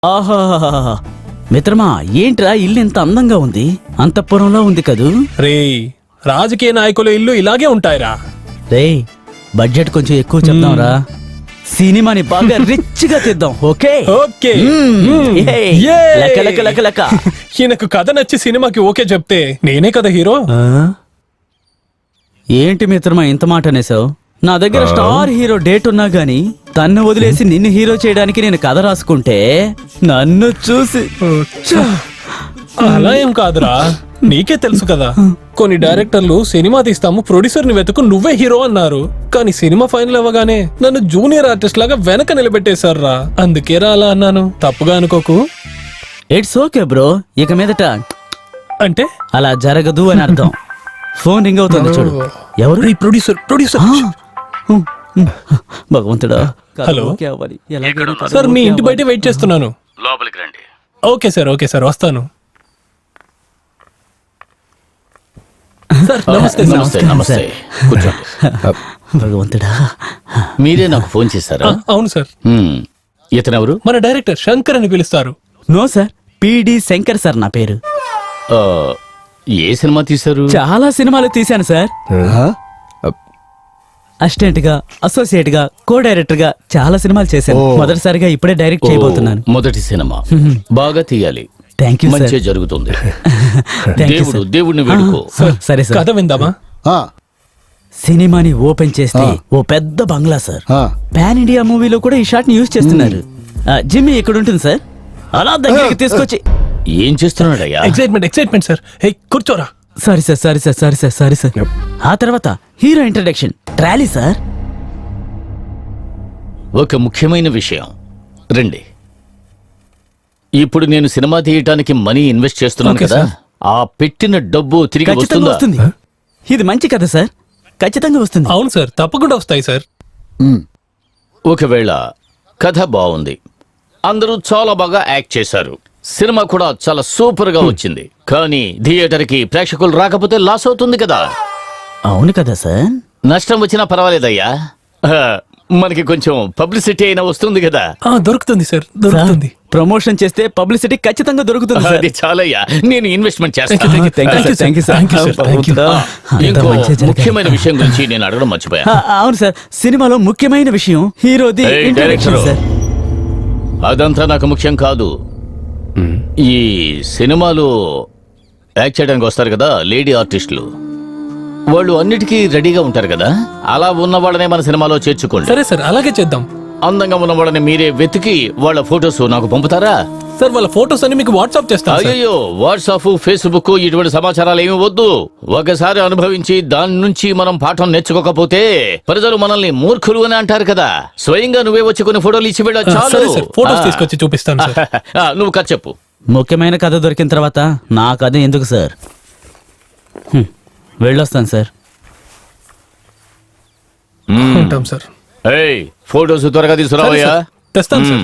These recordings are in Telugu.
ఆహా మిత్రమా, ఏంట్రా ఇల్లు ఇంత అందంగా ఉంది? అంతఃపురంలో ఉంది కదూ? రే, రాజకీయ నాయకుల ఇల్లు ఇలాగే ఉంటాయిరా. రే, బడ్జెట్ కొంచెం ఎక్కువ చెప్దాంరా. సినిమాని బాగా రిచ్ గా తెద్దాం. Okay okay. లెక్క లెక్క లెక్క లెక్క. ఈయనకు కథ నచ్చి సినిమాకి ఓకే చెప్తే నేనే కదా హీరో. ఏంటి మిత్రమా ఇంత మాట అనేసావు? నా దగ్గర స్టార్ హీరో డేట్ ఉన్నా గానీ తన్ను వదిలేసి నిన్ను హీరో చేయడానికి నేను కథ రాసుకుంటే నన్ను చూసి అలా ఏం కాదురా, నీకే తెలుసు కదా. కొన్ని డైరెక్టర్లు సినిమా తీస్తాము, ప్రొడ్యూసర్ ని వెతుకు నువ్వే హీరో అన్నారు. కానీ సినిమా ఫైనల్ అవ్వగానే నన్ను జూనియర్ ఆర్టిస్ట్ లాగా వెనక నిలబెట్టేశారా. అందుకే రా అలా అన్నాను, తప్పుగా అనుకోకు. It's okay bro. ఇక మీదట అంటే అలా జరగదు అని అర్థం. ఫోన్ రింగ్ అవుతుంది చూడు. ఎవరు? ప్రొడ్యూసర్. భగవంతుడా. హలో ఓకే అవ్వాలి. ఎలాగైనా కథ సార్, మీ ఓకే ఇంటి బయట అవ్వాలి. వెయిట్ చేస్తున్నాను. లోపలికి రండి. ఓకే సార్ వస్తాను. సార్ నమస్తే సార్. నమస్తే నమస్తే, కూర్చోండి. భగవంతుడా. మీరే నాకు ఫోన్ చేశారా? అవును సార్. ఇతనెవరు? మన డైరెక్టర్ శంకర్ అని పిలుస్తారు. No sir, PD Shankar sir నా పేరు. ఆ, ఏ సినిమా తీశారు? చాలా సినిమాలు తీశాను సార్. అసిస్టెంట్ గా, అసోసియేట్ గా, కో డైరెక్టర్ గా చాలా సినిమాలు చేశాను. మొదటిసారిగా ఇప్పుడే డైరెక్ట్ చేయబోతున్నాను. మొదటి సినిమా బాగా తీయాలి. Thank you sir. మంచి జరుగుతుంది. Thank you sir. దేవుడిని వేడుకో. సరే సార్. కథ విందామా? సినిమాని ఓపెన్ చేస్తే ఓ పెద్ద బంగ్లా సార్. పాన్ ఇండియా మూవీలో కూడా ఈ షాట్ ని యూజ్ చేస్తున్నారు. జిమ్మి ఇక్కడ ఉంటుంది సార్. అలా దగ్గరికి తీసుకొచ్చి. ఏం చేస్తున్నాడయ్యా? Excitement sir. హే, కూర్చోరా. Sorry sir. ఆ తర్వాత హీరో ఇంట్రడక్షన్ ట్రాలీ సార్. ఒక ముఖ్యమైన విషయం. రండి. ఇప్పుడు నేను సినిమా తీయటానికి మనీ ఇన్వెస్ట్ చేస్తున్నాను ఓకే కదా, సార్. ఆ పెట్టిన డబ్బు తిరిగి ఖచ్చితంగా వస్తుందా? వస్తుంది. ఇది మంచి కథ సార్, ఖచ్చితంగా వస్తుంది. అవును సార్, తప్పకుండా వస్తాయి సార్. ఒకవేళ కథ బాగుంది, అందరూ చాలా బాగా యాక్ట్ చేశారు, సినిమా కూడా చాలా సూపర్ గా వచ్చింది, కానీ థియేటర్ కి ప్రేక్షకులు రాకపోతే లాస్ అవుతుంది కదా. అవును కదా సార్. నష్టం వచ్చినా పర్వాలేదయ్యా, మనకి కొంచెం పబ్లిసిటీ అయినా వస్తుంది కదా. దొరుకుతుంది సార్, దొరుకుతుంది. ప్రమోషన్ చేస్తే పబ్లిసిటీ ఖచ్చితంగా దొరుకుతుంది సార్. అది చాలయ్యా, నేను ఇన్వెస్ట్మెంట్ చేస్తాను. Thank you, sir. ఇంకో ముఖ్యమైన విషయం గురించి నేను అడగడం మర్చిపోయా. అవును సార్, సినిమాలో ముఖ్యమైన విషయం హీరోది ఏయ్, ఇంట్రడక్షన్ డైరెక్టరు. సార్. అదంతా నాకు ముఖ్యం కాదు. ఈ సినిమాలో యాక్ట్ చేయడానికి వస్తారు కదా లేడీ ఆర్టిస్టులు, వాళ్ళు అన్నిటికీ రెడీగా ఉంటారు కదా, అలా ఉన్న వాళ్ళనే మన సినిమాలో చేర్చుకోండి. సరే సార్, అలాగే చేద్దాం. అందంగా ఉన్న వాళ్ళని మీరే వెతికి వాళ్ళ ఫొటోస్ నాకు పంపుతారా? సార్, వాళ్ళ ఫోటోస్ అన్ని మీకు వాట్సాప్ చేస్తాను సార్. అయ్యో, వాట్సాప్, ఫేస్బుక్ ఇటువంటి సమాచారాలు ఏమి వద్దు. ఒకసారి అనుభవించి దాని నుంచి మనం పాఠం నేర్చుకోకపోతే ప్రజలు మనల్ని మూర్ఖులు అని అంటారు కదా. స్వయంగా నువ్వే వచ్చి కొన్ని ఫోటోలు ఇచ్చి వెళ్ళ సరే చాలు. సార్, ఫోటోస్ తీసుకొచ్చి చూపిస్తాను సార్. నువ్వు కథ చెప్పు. ముఖ్యమైన కథ దొరికిన తర్వాత నా కథ ఎందుకు సార్? వెళ్ళొస్తాను సార్. ఉంటాం సార్. ఏయ్, ఫోటోస్ త్వరగా తీసుకురావయ్యా. సరే సార్, తెస్తాను సార్.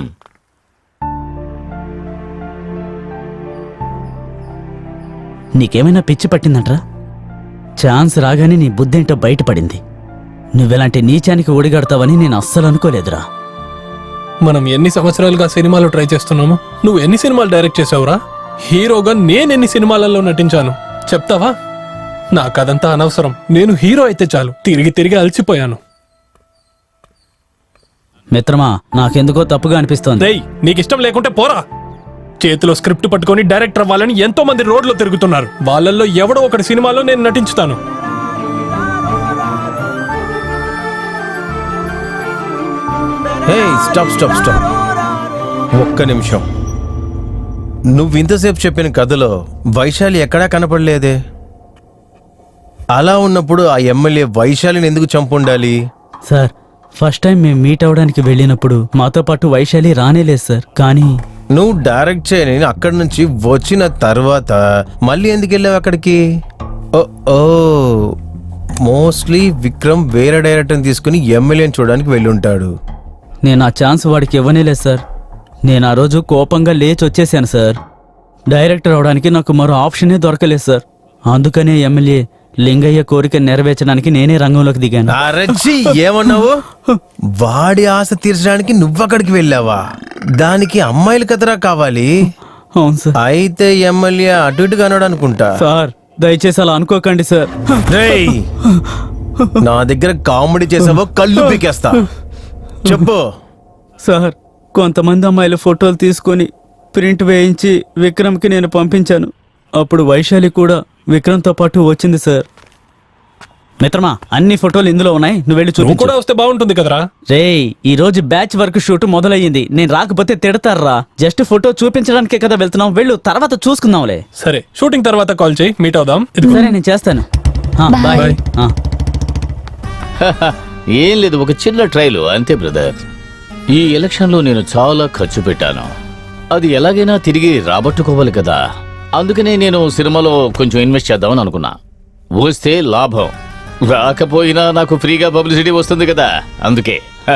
నీకేమైనా పిచ్చి పట్టిందంట్రా? ఛాన్స్ రాగానే నీ బుద్ధేంటో బయటపడింది. నువ్వెలాంటి నీచానికి ఒడిగడతావని నేను అస్సలు అనుకోలేదురా. మనం ఎన్ని సంవత్సరాలుగా సినిమాలు ట్రై చేస్తున్నాము. నువ్వు ఎన్ని సినిమాలు డైరెక్ట్ చేసావురా? హీరోగా నేను ఎన్ని సినిమాలలో నటించాను చెప్తావా? నాకదంతా అనవసరం. నేను హీరో అయితే చాలు. తిరిగి అలసిపోయాను. మిత్రమా, నాకెందుకో తప్పుగా అనిపిస్తోంది. రేయ్, నీకిష్టం లేకుంటే పోరా. చేతిలో స్క్రిప్ట్ పట్టుకొని డైరెక్టర్ అవ్వాలని ఎంతో మంది రోడ్లో తిరుగుతున్నారు. వాళ్ళల్లో ఎవడో ఒకటి సినిమాలో నేను నటించుతాను. స్టాప్. ఒక్క నిమిషం. నువ్వు ఇంతసేపు చెప్పిన కథలో వైశాలి ఎక్కడా కనపడలేదే. అలా ఉన్నప్పుడు ఆ ఎమ్మెల్యే వైశాలిని ఎందుకు చంపుండాలి? సార్, ఫస్ట్ టైం మేము మీట్ అవడానికి వెళ్ళినప్పుడు మాతో పాటు వైశాలి రానేలేదు సార్. కానీ నువ్వు డైరెక్ట్ చేయని అక్కడి నుంచి వచ్చిన తర్వాత మళ్ళీ ఎందుకు వెళ్ళావు అక్కడికి? ఓ మోస్ట్లీ విక్రమ్ వేరే డైరెక్టర్ని తీసుకుని ఎమ్మెల్యేని చూడడానికి వెళ్ళుంటాడు. నేను ఆ ఛాన్స్ వాడికి ఇవ్వనేలేదు సార్. నేను ఆ రోజు కోపంగా లేచి వచ్చేసాను సార్. డైరెక్టర్ అవడానికి నాకు మరో ఆప్షనే దొరకలేదు సార్. అందుకనే ఎమ్మెల్యే లింగయ్య కోరిక నెరవేర్చడానికి నేనే రంగంలోకి దిగాను. అరచి ఏమన్నావు? వాడి ఆశ తీర్చడానికి నువ్వక్కడికి వెళ్ళావా? దానికి అమ్మాయిలు కదరా కావాలి. అవును సార్. అయితే ఎమ్మెల్యే అటు ఇటు కనడు అనుకుంటా. సార్ దయచేసి అలా అనుకోకండి సార్. రేయ్, నా దగ్గర కామెడీ చేసావో కళ్ళు పీకేస్తా. చెప్పు. సార్ కొంతమంది అమ్మాయిల ఫోటోలు తీసుకొని ప్రింట్ వేయించి విక్రమ్కి నేను పంపించాను. అప్పుడు వైశాలి కూడా విక్రమ్తో పాటు వచ్చింది సార్. మిత్రమా, అన్ని ఫోటోలు ఇందులో ఉన్నాయి, నువ్వు వెళ్ళి నువ్వు చూపించు. కూడా వస్తే బాగుంటుంది కదరా. రేయ్, ఈ రోజు బ్యాచ్ వర్క్ షూట్ మొదలయ్యింది. నేను రాకపోతే తిడతారా? జస్ట్ ఫోటో చూపించడానికే కదా వెళ్తున్నాం, వెళ్ళు, తర్వాత చూసుకుందాంలే. సరే, షూటింగ్ తర్వాత కాల్ చేయి, మీట్ అవుదాం. ఇదిగో. సరే నేను చేస్తాను. బాయ్. బాయ్. ఏం లేదు, ఒక చిన్న ట్రైలు అంతే బ్రదర్. ఈ ఎలక్షన్లో నేను చాలా ఖర్చు పెట్టాను. అది ఎలాగైనా తిరిగి రాబట్టుకోవాలి కదా. అందుకనే నేను సినిమాలో కొంచెం ఇన్వెస్ట్ చేద్దామని అనుకున్నా. వస్తే లాభం, రాకపోయినా నాకు ఫ్రీగా పబ్లిసిటీ వస్తుంది కదా, అందుకే.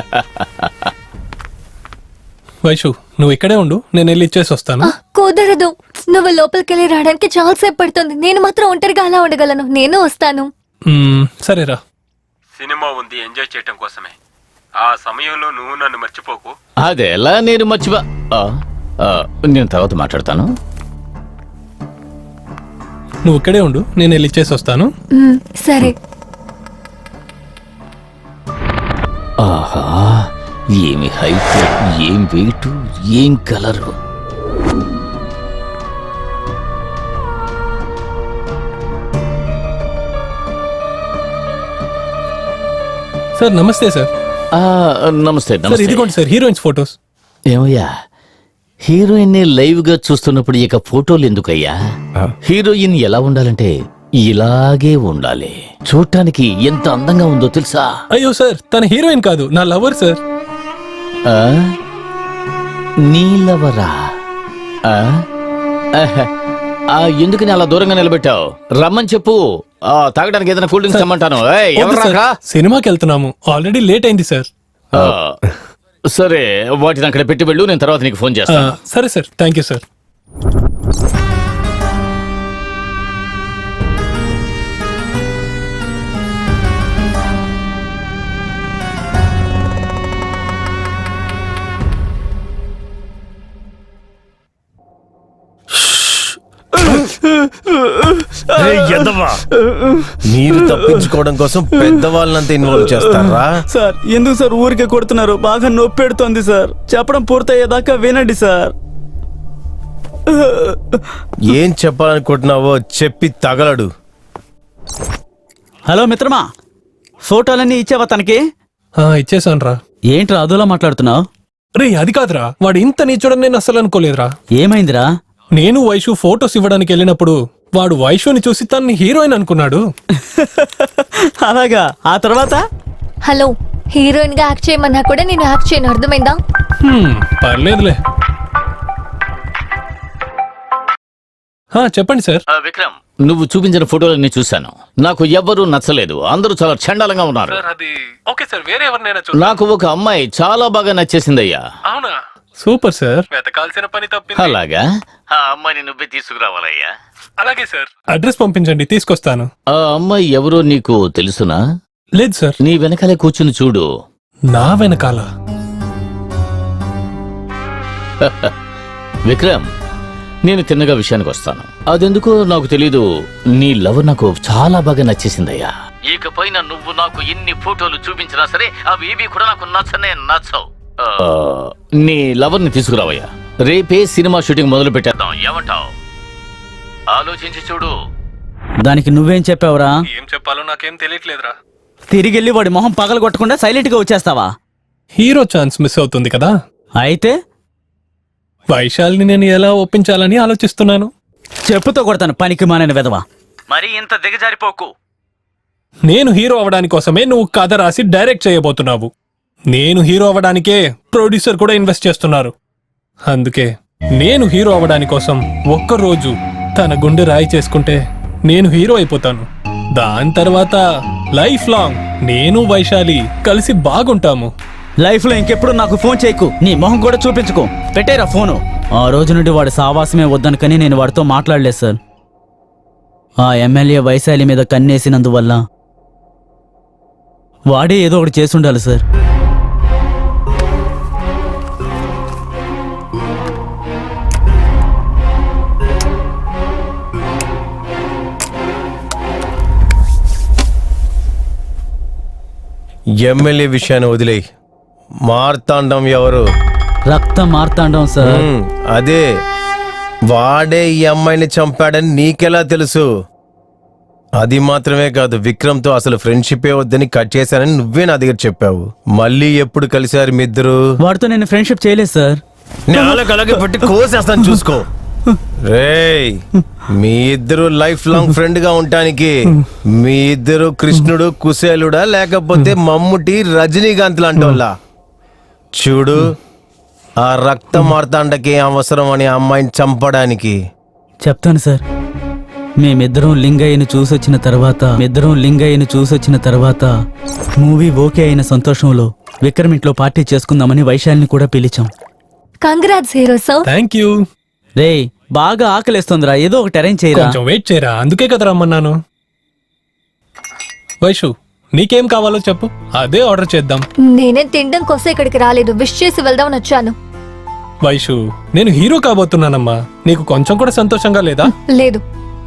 వైషు, నువ్వు ఇక్కడే ఉండు, నేను వెళ్ళి ఇచ్చేసి వస్తాను. కుదరదు. నువ్వు లోపలికెళ్ళి రావడానికి చాలా సేపు పడుతుంది. నేను మాత్రం ఒంటరిగా అలా ఉండగలను. నేను వస్తాను. సరేరా. సినిమా ఉంది, ఎంజాయ్ చేయటం కోసమే. ఆ సమయంలో నువ్వు నన్ను మర్చిపోకు. అదెలా నేను నేను తర్వాత మాట్లాడతాను. నువ్వు ఇక్కడే ఉండు, నేను వెళ్ళి ఇచ్చేసి వస్తాను. సరే. ఆహా, ఏమి హైట్, ఏం వెయిట్, ఏం కలరు. సార్ నమస్తే సార్. నమస్తే సార్ నమస్తే. ఇదిగోండి సార్, హీరోయిన్స్ ఫొటోస్. ఏమయ్యా, హీరోయిన్ లైవ్ గా చూస్తున్నప్పుడు ఇక ఫోటోలు ఎందుకయ్యా? హీరోయిన్ ఎలా ఉండాలంటే ఇలాగే ఉండాలి. చూడటానికి ఎంత అందంగా ఉందో తెలుసా? అయ్యో సార్, తన హీరోయిన్ కాదు, నా లవర్ సార్. ఆ? నీలవరా? ఆ? ఆహా. ఎందుకని అలా దూరంగా నిలబెట్టావు? రమ్మని చెప్పు. తాగడానికి ఏదైనా కూల్ డ్రింక్స్ తెమ్మంటాను. ఏయ్, వద్దు ఎవరు సార్, రాకా? సినిమాకి వెళ్తున్నాము, ఆల్రెడీ లేట్ అయింది సార్. ఆ, సరే, వాటిని అక్కడ పెట్టి వెళ్ళు, నేను తర్వాత నీకు ఫోన్ చేస్తాను. సరే సార్, థ్యాంక్ యూ సార్. మీరు తప్పించుకోవడం కోసం పెద్దవాళ్ళంతా ఇన్వాల్వ్ చేస్తారా? సార్ ఎందుకు సార్ ఊరికే కొడుతున్నారు? బాగా నొప్పి పెడుతోంది సార్. చెప్పడం పూర్తయ్యేదాకా వినండి సార్. ఏం చెప్పాలనుకుంటున్నావో చెప్పి తగలడు. హలో మిత్రమా, ఫోటోలన్నీ ఇచ్చావా తనకి? ఇచ్చేసాను రా. ఏంట్రా అదోలా మాట్లాడుతున్నావు? రే అది కాదురా, వాడు ఇంత నీచోడని నేను అసలు అనుకోలేదురా. ఏమైందిరా? నేను వైషు ఫోటోస్ ఇవ్వడానికి వెళ్ళినప్పుడు వాడు వైషుని చూసి తన్ని హీరోయిన్ అనుకున్నాడు. అలాగా? ఆ తర్వాత? హలో, హీరోయిన్ గా యాక్ట్ చేయమన్నా కూడా నేను యాక్ట్ చేయను, అర్థమైందా? పర్లేదులే. చెప్పండి సార్. విక్రమ్, నువ్వు చూపించిన ఫోటోలన్నీ చూశాను. నాకు ఎవ్వరూ నచ్చలేదు, అందరూ చాలా చండాలంగా ఉన్నారు. ఓకే సార్, వేరే ఎవరినైనా నాకు ఒక అమ్మాయి చాలా బాగా నచ్చేసిందయ్యా. అవునా? Super sir. వెతకాల్సిన పని తప్పింది. అలాగా? ఆ అమ్మాయిని నువ్వే తీసుకురావాలయ్యా. అలాగే సార్. అడ్రస్ పంపించండి, తీసుకొస్తాను. ఆ అమ్మాయి ఎవరో నీకు తెలుసునా? లేదు సార్. నీ వెనకాలే కూర్చుని చూడు. నా వెనకాల? విక్రమ్, నేను తిన్నగా విషయానికి వస్తాను. అదెందుకో నాకు తెలీదు, నీ లవ్ నాకు చాలా బాగా నచ్చేసిందయ్యా. ఇకపైన నువ్వు నాకు ఎన్ని ఫోటోలు చూపించినా సరే అవి ఏవి కూడా నాకు నచ్చవు. నీ లవర్ ని తీసుకురావయ్యా. రేపే సినిమా షూటింగ్ మొదలు పెట్టేద్దాం, ఏమంటావు? ఆలోచించి చూడు. దానికి నువ్వేం చెప్పావురా? ఏం చెప్పాలో నాకేం తెలియట్లేదురా. తిరిగెళ్ళి వాడి మొహం పగల కొట్టకుండా సైలెంట్ గా వచ్చేస్తావా? హీరో ఛాన్స్ మిస్ అవుతుంది కదా. అయితే వైశాలిని నేను ఎలా ఒప్పించాలని ఆలోచిస్తున్నాను. చెప్పుతో కొడతాను, పనికి మానని వెదవా. మరి ఇంత దిగజారిపోకు. నేను హీరో అవడానికి కోసమే నువ్వు కథ రాసి డైరెక్ట్ చేయబోతున్నావు. నేను హీరో అవ్వడానికే ప్రొడ్యూసర్ కూడా ఇన్వెస్ట్ చేస్తున్నారు. అందుకే నేను హీరో అవ్వడానికి కోసం ఒక్కరోజు తన గుండె రాయి చేసుకుంటే నేను హీరో అయిపోతాను. దాని తర్వాత లైఫ్ లాంగ్ నేను వైశాలి కలిసి బాగుంటాము. లైఫ్ లో ఇంకెప్పుడు నాకు ఫోన్ చేయకు, నీ మొహం కూడా చూపించుకో. పెట్టేరా ఫోను. ఆ రోజు నుండి వాడి సావాసమే వద్దనుకని నేను వాడితో మాట్లాడలేదు సార్. ఆ ఎమ్మెల్యే వైశాలి మీద కన్నేసినందువల్ల వాడే ఏదో ఒకటి చేసుండాలి సార్. ఎమ్మెల్యే విషయాన్ని వదిలేయి. మార్తాండం ఎవరు? రక్త మార్తాండం సార్. అదే, వాడే ఈ అమ్మాయిని చంపాడని నీకెలా తెలుసు? అది మాత్రమే కాదు, విక్రమ్తో అసలు ఫ్రెండ్షిపే వద్దని కట్ చేశానని నువ్వే నా దగ్గర చెప్పావు. మళ్ళీ ఎప్పుడు కలిశారు మీ ఇద్దరు? వాడితో నేను ఫ్రెండ్షిప్ చేయలేదు సార్. అలాగే పెట్టి కోసేస్తాను చూసుకో. రేయ్, మీ ఇద్దరు లైఫ్ లాంగ్ ఫ్రెండ్ గా ఉండటానికి మీ ఇద్దరు కృష్ణుడు కుశేలుడా లేకపోతే మమ్ముటి రజనీకాంత్ లాంటి వాళ్ళ? చూడు, ఆ రక్త మార్తాండకి అవసరం అని అమ్మాయిని చంపడానికి. చెప్తాను సార్. మేమిద్దరం లింగయ్యని చూసొచ్చిన తర్వాత మూవీ ఓకే అయిన సంతోషంలో విక్రమ్ ఇంట్లో పార్టీ చేసుకుందామని వైశాలిని కూడా పిలిచాం. Congrats hero sir. Thank you. రేయ్, బాగా ఆకలిస్తుందిరా, ఏదో ఒకటి అరేంజ్ చేయరా. కొంచెం వెయిట్ చేయరా, అందుకే కదా రమ్మన్నాను. వైషు, నీకేం కావాలో చెప్పు, అదే ఆర్డర్ చేద్దాం. నేనే తినడం కోసం ఇక్కడికి రాలేదు, విష్ చేసి వెళ్దామని వచ్చాను. వైషు, నేను హీరో కాబోతున్నానమ్మా, నీకు కొంచెం కూడా సంతోషంగా లేదా? లేదు.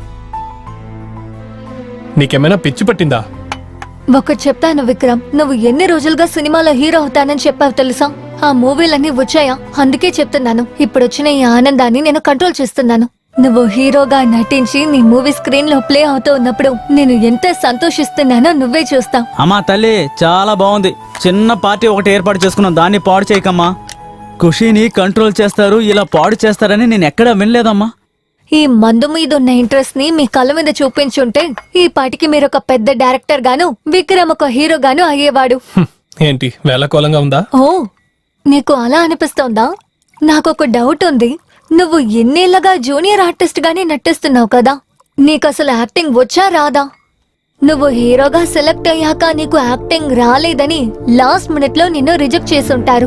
నీకేమైనా పిచ్చి పట్టిందా? ఒకటి చెప్తాను విక్రమ్, నువ్వు ఎన్ని రోజులుగా సినిమాలో హీరో అవుతానని చెప్పావు తెలుసా? ఆ మూవీలన్నీ వచ్చాయా? అందుకే చెప్తున్నాను, ఇప్పుడు వచ్చిన ఈ ఆనందాన్ని నేను కంట్రోల్ చేస్తున్నాను. నువ్వు హీరోగా నటించి నీ మూవీ స్క్రీన్ లో ప్లే అవుతూ ఉన్నప్పుడు నేను ఎంత సంతోషిస్తున్నానో నువ్వే చూస్తావు. అమ్మా తల్లి, చాలా బాగుంది. చిన్న పార్టీ ఒకటి ఏర్పాటు చేసుకున్నాం, దాన్ని పాడు చేయకమ్మా. ఖుషీని కంట్రోల్ చేస్తారు, ఇలా పాడు చేస్తారని నేను ఎక్కడా వినలేదమ్మా. ఈ మందు మీద ఉన్న ఇంట్రెస్ట్ ని మీ కళ్ళ మీద చూపించుంటే ఈ పాటికి మీరు ఒక పెద్ద డైరెక్టర్ గాను, విక్రమ్ ఒక హీరో గాను అయ్యేవాడు. ఏంటి వేళకోలంగా ఉందా? ఓ, నీకు అలా అనిపిస్తోందా? నాకొక డౌట్ ఉంది. నువ్వు ఎన్నేళ్లగా జూనియర్ ఆర్టిస్ట్ గానే నటిస్తున్నావు కదా, నీకు అసలు యాక్టింగ్ వచ్చా రాదా? నువ్వు హీరోగా సెలెక్ట్ అయ్యాక నీకు యాక్టింగ్ రాలేదని లాస్ట్ మినిట్ లో నిన్ను రిజెక్ట్ చేసుంటారు.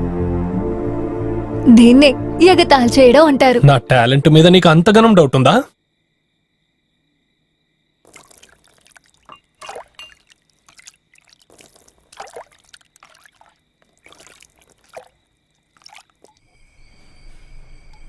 దీన్నే ఎగతాళి చేయడం అంటారు. నా టాలెంట్ మీద నీకు అంతగానం డౌట్ ఉందా?